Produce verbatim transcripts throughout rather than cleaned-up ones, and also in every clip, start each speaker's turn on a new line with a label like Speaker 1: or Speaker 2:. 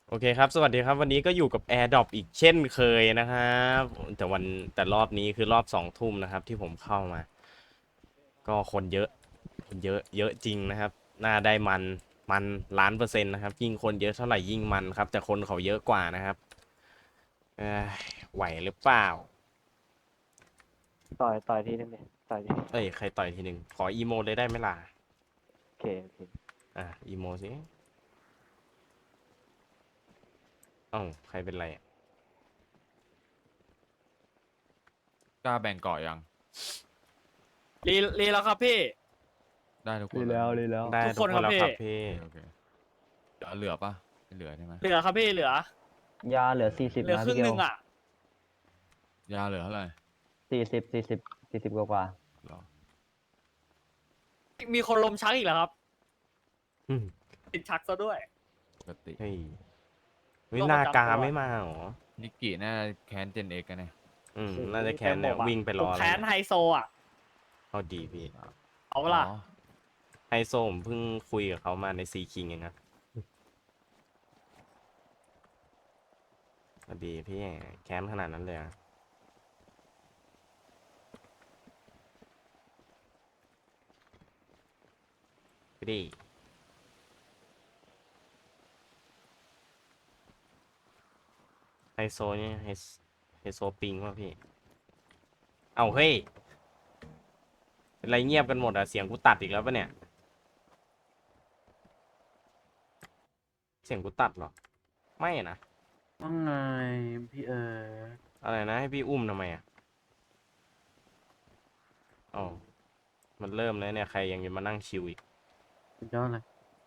Speaker 1: โอเคครับสวัสดีครับวันนี้ก็อยู่กับ AirDrop อีกเช่นเคยนะครับแต่วันแต่รอบนี้คือรอบสองทุ่มนะครับที่ผมเข้ามาก็คนเยอะคนเยอะเยอะจริงนะครับน่าได้มันมันล้านเปอร์เซ็นต์นะครับยิ่งคนเยอะเท่าไหร่ยิ่งมันครับแต่คนเขาเยอะกว่านะครับเอ้ยไหวหรือเปล่า
Speaker 2: ต่อยต่อยทีนึงดิต่อยที
Speaker 1: เอ้ยใครต่อยทีหนึ่งขออีโมเลยได้ไหมล่ะ
Speaker 2: โอเคโอเค
Speaker 1: อ่ะอีโมสิเอ้าใครเป็นไรอะ
Speaker 3: กล้าแบ่งเกาะยัง
Speaker 4: รีรีแล้วครับพี่
Speaker 3: ได้ทุกค
Speaker 2: รี
Speaker 3: นเลย
Speaker 2: แล้วรีแล้ว
Speaker 1: ได้
Speaker 4: ทุก
Speaker 1: ทุ
Speaker 4: ค
Speaker 1: ก
Speaker 4: น
Speaker 1: คนแล้วค
Speaker 4: ครั
Speaker 1: รับบ
Speaker 4: พี่
Speaker 1: พี่
Speaker 3: โอเคโอเคเหลือเหลือปะไม่เหลือใช่ไหม
Speaker 4: เหลือครับพี่เหลือย
Speaker 2: าเหลือสี่สิบ
Speaker 4: เหลือ
Speaker 2: นะ
Speaker 4: ครึ่
Speaker 2: พี่
Speaker 4: ง
Speaker 2: เก
Speaker 4: ห
Speaker 2: ล
Speaker 4: นึ่งอ่ะ
Speaker 3: ยาเหลือเท่าไหร่
Speaker 2: สี่สิบสี่สิบสี่สิบกว่ากว่า
Speaker 3: หรอ
Speaker 4: มีคนลมชักอีกแล้วครับ
Speaker 1: อืม
Speaker 4: ติดชักซะด้วย
Speaker 3: ปกติ
Speaker 1: เฮ้ยวิ
Speaker 4: โรคป
Speaker 1: นา
Speaker 4: ระจำ
Speaker 1: กา
Speaker 4: ตัว
Speaker 1: ไม่มาเหรอ
Speaker 3: นิกกี้น่าแค้นเจนเอกกันเนี่ย
Speaker 1: อืม
Speaker 4: โอ้โห
Speaker 1: น่าจะแค้นเนี่ย
Speaker 4: ต็มอกอะ
Speaker 1: วิ่งไปร
Speaker 4: ผ
Speaker 1: อ
Speaker 4: ม
Speaker 1: แล้ว
Speaker 4: แค้น
Speaker 1: เนี่ย
Speaker 4: ไฮโซอ่ะ
Speaker 1: เอาดีพี่
Speaker 4: เอาเว
Speaker 3: อ๋
Speaker 4: ล่ะ
Speaker 3: อ
Speaker 1: ไฮโซผมเพิ่งคุยกับเขามาในซีคิงเองนะเอาดีพี่แค้นขนาดนั้นเลยอะพี่ดีไฮโซนี่ไฮโซไฮโซปิงวะพี่ เอาเฮ้ยเป็นไรเงียบกันหมดอะเสียงกูตัดอีกแล้วปะเนี่ยเสียงกูตัดเหรอไม่นะ
Speaker 5: ว่าไงพี่เอ๋ย
Speaker 1: อะไรนะให้พี่อุ้มทำไมอะอ๋อมันเริ่มแล้วเนี่ยใครยังจะมานั่งชิวอีก
Speaker 5: สุดยอดเลย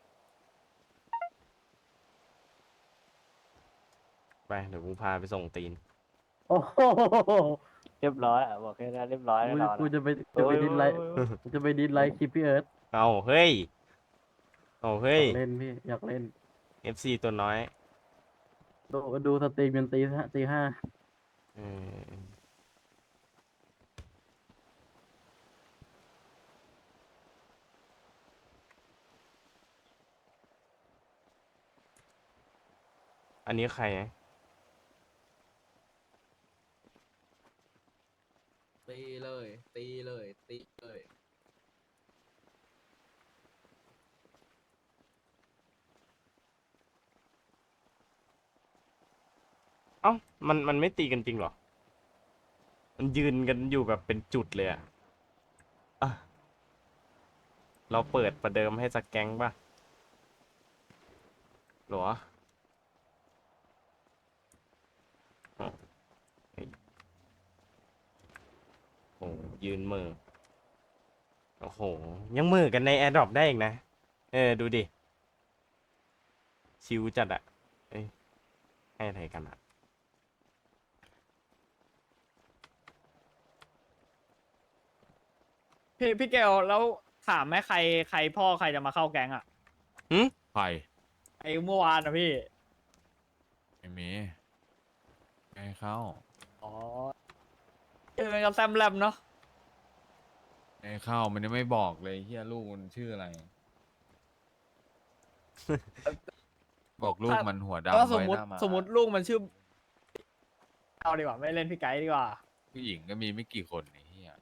Speaker 1: ไปเดี๋ยวกูพาไปส่งตีน
Speaker 5: โอ้โห
Speaker 2: เรียบร้อยอ่ะบอกแค่นั้นเรียบร้อยแน่
Speaker 5: กู
Speaker 2: นอน
Speaker 5: กู
Speaker 2: อะ
Speaker 5: จะไปจะไปดิสไลค์กูจะไปดิสไลค์คลิปพี่เอิร์ธ
Speaker 1: เอาเฮ้ยเอาเฮ้
Speaker 5: อย ยากเล่นพี่อยากเล่น
Speaker 1: เอฟซีตัวน้อย
Speaker 5: ดูดูสตรีมจนตีห้าตีห้า
Speaker 1: เอออันนี้ใครนะ
Speaker 6: ตีเลยตีเลยตีเลย
Speaker 1: เอ้ามันมันไม่ตีกันจริงเหรอ มันยืนกันอยู่แบบเป็นจุดเลยอะอ่ะเราเปิดประเดิมให้สักแก๊งป่ะหรออ๋อเฮ้ยโอ้ยืนมือโอ้โห ยังมือกันใน AirDrop ได้อีกนะ เออ ดูดิ ชิวจัดอะเอ้ยให้อะไรกันอะ
Speaker 4: พี่พี่เกลแล้วถามไหมใครใครพ่อใครจะมาเข้าแก๊งอ่ะ
Speaker 1: หึ
Speaker 3: ใคร
Speaker 4: ไอ้เมื่อวานนะพี่
Speaker 3: ไม่มีไม่ให้เข้า
Speaker 4: อ๋อเจอกันกับแซมแลมเนาะ
Speaker 3: ไม่ให้เข้ามันยังไม่บอกเลยเฮียลูกมันชื่ออะไร บอกลูกมันหัว
Speaker 4: แล้ว
Speaker 3: ดำ
Speaker 4: สม
Speaker 3: ไว้
Speaker 4: ม
Speaker 3: ห
Speaker 4: ติ
Speaker 3: น้ามา
Speaker 4: สมมติลูกมันชื่อเอาดีกว่าไม่เล่นพี่ไกด์ดีกว่า
Speaker 3: ผู้หญิงก็มีไม่กี่คนไอ้เฮีย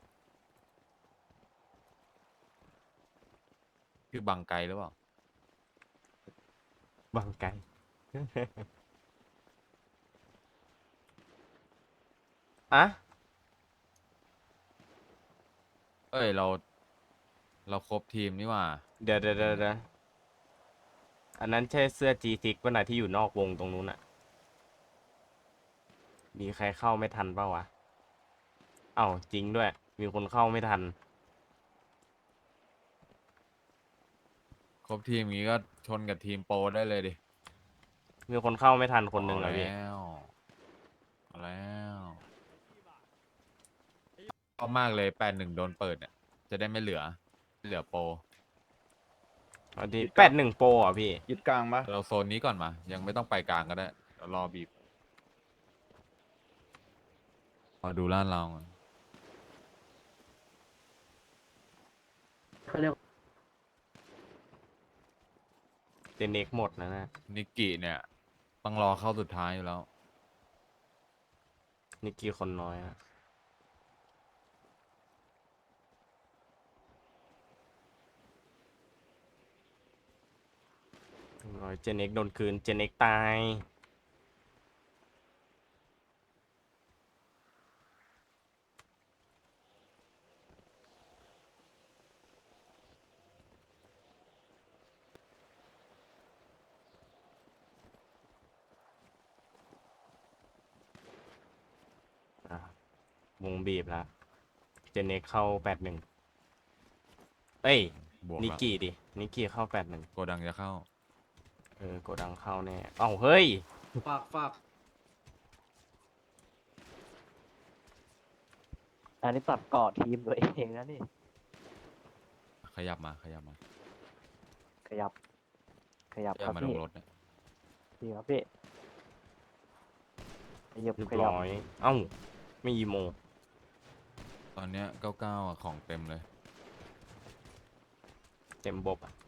Speaker 3: ชื่อบังไกหรือเปล่า
Speaker 1: บังไก อะ
Speaker 3: เอ้ยเรา เราครบทีมนี่หว่า
Speaker 1: เดี๋ยวเดี๋ยวเดี๋ยวเดี๋ยวอันนั้นใช่เสื้อ จี ซิกซ์ ป่ะนะที่อยู่นอกวงตรงนู้นอะมีใครเข้าไม่ทันเปล่าวะ เอ้าจริงด้วย มีคนเข้าไม่ทัน
Speaker 3: ครบทีมงี้ก็ชนกับทีมโปรได้เลยดิ
Speaker 1: มีคนเข้าไม่ทันคนหนึ่งเหรอ
Speaker 3: เอา
Speaker 1: พี่
Speaker 3: แล้วเอาแล้วชอบมากเลยแปดหนึ่งโดนเปิดเนี่ย จะได้ไม่เหลือไม่เหลือโปร
Speaker 1: เอาดีแปดหนึ่งโปรอ่ะพี่
Speaker 6: ยึดกลางปะ
Speaker 3: เราโซนนี้ก่อนมา ยังไม่ต้องไปกลางก็ได้เดี๋ยวรอบีบรอดูล้านเราก่อน
Speaker 5: เขาเรียก
Speaker 1: เจเน็กหมดนะนะ
Speaker 3: นิกกี้เนี่ย ตต้องรอเข้าสุดท้ายอยู่แล้ว
Speaker 1: นิกกี้คนน้อยอะร้อยเจเน็กโดนคืนเจเน็กตายอ่ะวงบีบแล้วเจเน็กเข้าแปดหนึ่งเอ้ย
Speaker 3: บวก
Speaker 1: นิก
Speaker 3: แล้ว
Speaker 1: กี้ดิ นิกกี้เข้าแปดหนึ่ง
Speaker 3: โกดังจะเข้า
Speaker 1: เออโกดังเข้าแน่ เอ้า เฮ้ย
Speaker 6: ฝากฝาก
Speaker 2: อันนี้ตัดก่อทีมตัวเองนะนี่
Speaker 3: ขยับมาขยับมา
Speaker 2: ขยับ ขยับ
Speaker 3: ขยั
Speaker 2: ครับ บ
Speaker 3: มาล
Speaker 2: พี่
Speaker 3: งรถเนี่ย
Speaker 2: พี่ครับพี่ขยับ
Speaker 1: เรียบ
Speaker 2: ขยับ
Speaker 1: ร้อย เอ้า ไม่อีโม
Speaker 3: ตอนเนี้ยเก้าเก้าอ่ะของเต็มเลย
Speaker 1: เต็มบบอ่ะ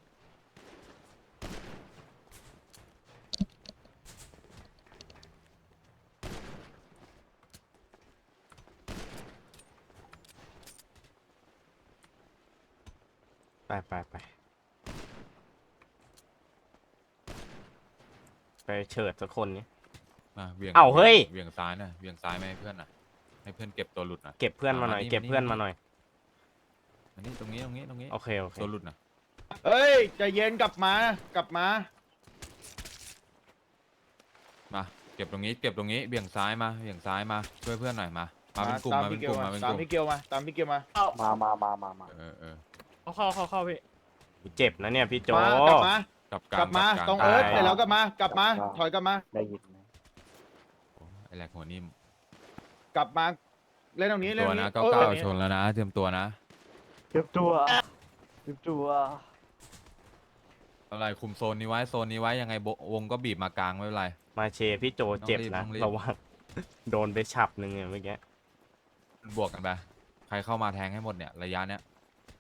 Speaker 1: ไปไปไปไปเฉิดสักคนนี้
Speaker 3: มาเวียง
Speaker 1: เอ้าเฮ้ย
Speaker 3: เวียงซ้ายนะเวียงซ้ายไม่ให้เพื่อนนะให้เพื่อนเก็บตัวหลุดนะ
Speaker 1: เก็บเพื่อนมาหน่อย
Speaker 3: อ่ามานี่
Speaker 1: เก็บเพื่อน
Speaker 3: มา
Speaker 1: มา
Speaker 3: นี่
Speaker 1: หน่อย
Speaker 3: อันนี้ตรงนี้ตรงนี้ตรงนี้
Speaker 1: โอเค โอเค
Speaker 3: ตัวหลุดนะ
Speaker 4: เอ้ยใจเย็นกลับมากลับมา
Speaker 3: มาเก็บตรงนี้เก็บตรงนี้เบี่ยงซ้ายมาเบี่ยงซ้ายมาช่วยเพื่อนหน่อยมามาเป็นกลุ่ม
Speaker 4: ตาม
Speaker 3: มาเป็
Speaker 4: พี่
Speaker 3: น
Speaker 4: เก
Speaker 3: ก
Speaker 4: ล
Speaker 3: ลุ่ม
Speaker 4: มา
Speaker 3: มาเป็น
Speaker 4: ตาก ม
Speaker 3: ลุ่ม
Speaker 4: พี่เกลมาตามพี่เกลมา
Speaker 2: มามามามามา
Speaker 3: เออเออ
Speaker 4: เข้าเข้าเข้าพี่
Speaker 1: เจ็บนะเนี่ยพี่โจ
Speaker 4: มากลับมา
Speaker 3: กลับ
Speaker 4: กลับมา
Speaker 3: ล
Speaker 4: ตรง
Speaker 3: กล
Speaker 4: เอิร์ธ
Speaker 1: ตาย
Speaker 4: เสร็จแล้วกลับมากลับมาถอยกลับมา
Speaker 2: ได้ยินไหม
Speaker 3: โอ้ไอแหลกหัวนิ่ม
Speaker 4: กลับมาเล่นตรงนี้เล่น
Speaker 3: ตั
Speaker 4: ต
Speaker 3: ว
Speaker 4: รง
Speaker 3: นะ
Speaker 4: นี้
Speaker 3: เก้า
Speaker 4: เออ
Speaker 3: เก้า
Speaker 4: เออ
Speaker 3: ชนแล้วนะเตรียมตัวนะ
Speaker 2: เจ็บตัวเจ็บตัว
Speaker 3: อะไรคุมโซนนี้ไว้โซนนี้ไว้ยังไงโบวงก็บีบมากลางไม่เป็นไร
Speaker 1: มาเชพี่โจเจ็บนะ
Speaker 3: ต้องรีบ
Speaker 1: ระวัง โดนไปฉับหนึ่งเนี่ยเมื่อกี้
Speaker 3: บวกกันไปใครเข้ามาแทงให้หมดเนี่ยระยะเนี้ย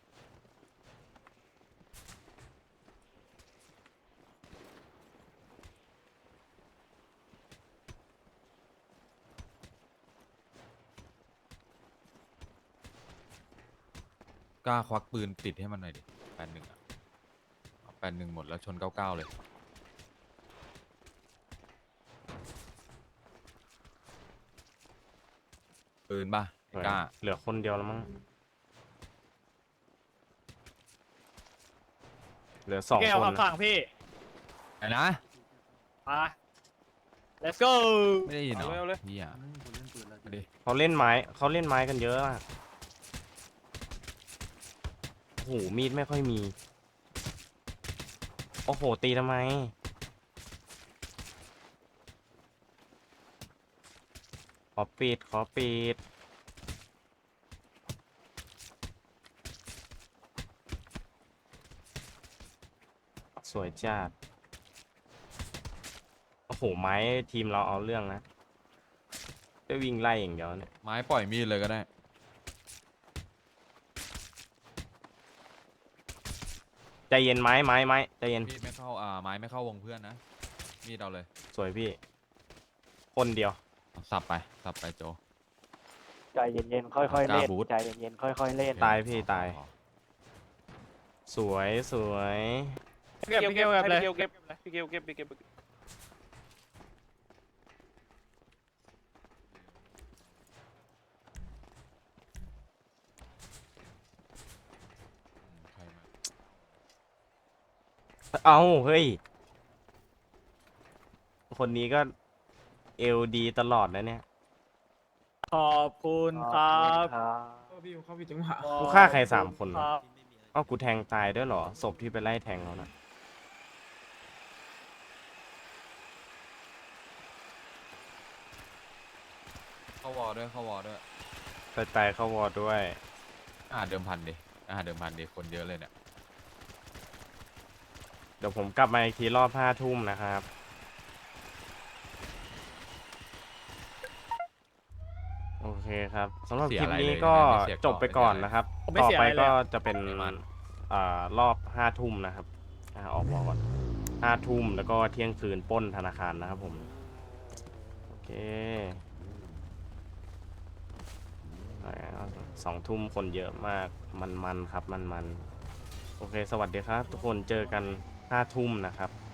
Speaker 3: กล้าควักปืนติดให้มันหน่อยดิแปดหนึ่งอ่ะแปดหนึ่งหมดแล้วชนเก้าเก้าเลยปืนป่ะไอ้กล้า
Speaker 1: เหลือคนเดียวแล้วมั้ง เหลือสอง
Speaker 4: แก้
Speaker 1: คว
Speaker 4: ขั
Speaker 1: น
Speaker 4: บ
Speaker 1: นะ
Speaker 4: ฝั่งพี่
Speaker 3: ไอ้นะ
Speaker 4: มา let's go
Speaker 3: ไม่ได้ยินเหรอ
Speaker 4: เอาเร็วเลย
Speaker 3: พี่อ่ะ
Speaker 5: คนเล่นปืนแล้ว
Speaker 3: มาดิ
Speaker 1: เขาเล่นไม้เขาเล่นไม้กันเยอะอะโอ้โหมีดไม่ค่อยมี โอ้โห ตีทำไม ขอปิด ขอปิด สวยจัด โอ้โห ไม้ทีมเราเอาเรื่องนะได้วิ่งไล่อย่างเดียวเนี่ย
Speaker 3: ไม้ปล่อยมีดเลยก็ได้
Speaker 1: ใจเย็นไม้ไม้ไม้ใจเย็น
Speaker 3: มีดไม่เข้าอ่าไม้ไม่เข้าวงเพื่อนนะมีดเอาเลย
Speaker 1: สวยพี่ คนเดียว
Speaker 3: สับไปสับไปโจ
Speaker 2: ใจเย็นๆค่อยๆเล่น
Speaker 3: กล้าบูท
Speaker 2: ใจเย็นๆค่อยๆเล่น
Speaker 1: ตายพี่ตาย สวยสวย
Speaker 4: เก็บพี่เกลเก็บเลย
Speaker 7: เก็บพี่เกลเก็บพี่เกล
Speaker 3: ใครมา
Speaker 1: เอาเฮ้ย คนนี้ก็เอลดีตลอดนะเนี่ย
Speaker 4: ขอบคุณครับ
Speaker 2: ครับ
Speaker 6: พี่เขาพี่จังหวะ
Speaker 1: กูฆ่าใครสามคน
Speaker 4: คว
Speaker 1: ะ
Speaker 4: รับ
Speaker 1: เอ้ากูแทงตายด้วยเหรอ ศพที่ไปไล่แทงเขานะ
Speaker 3: เข้าวอลด้วยเข้าวอลด้วย
Speaker 1: ไปตายเข้าวอร์ด้วย
Speaker 3: อาหารเดิมพันดิอาหารเดิมพันดิคนเยอะเลยเนี่ย
Speaker 1: เดี๋ยวผมกลับมาอีกทีรอบห้าทุ่มนะครับ โอเคครับสำหรับ
Speaker 3: เสี
Speaker 1: ค
Speaker 3: ย
Speaker 1: ลิป
Speaker 3: อะไร
Speaker 1: นี้
Speaker 3: เลย
Speaker 1: ก็
Speaker 3: ไม่เสีย
Speaker 1: จบไป
Speaker 3: ก่
Speaker 1: ก่
Speaker 3: อ
Speaker 1: อน น
Speaker 3: ไม่เสียอะไร
Speaker 1: นะครับ
Speaker 4: ผมไม่
Speaker 1: ต่อ
Speaker 4: เสีย
Speaker 1: ไป
Speaker 4: อะไรเลย
Speaker 1: ก็
Speaker 4: อะ
Speaker 1: จะเป็น
Speaker 3: ไม่มัน
Speaker 1: อ่ารอบห้าทุ่มนะครับอ่าออกวอร์ก่อนห้าทุ่มแล้วก็เที่ยงคืนปล้นธนาคารนะครับผมโอเคสองทุ่มคนเยอะมากมันๆครับมันๆโอเคสวัสดีครับทุกคนเจอกันห้าทุ่มนะครับ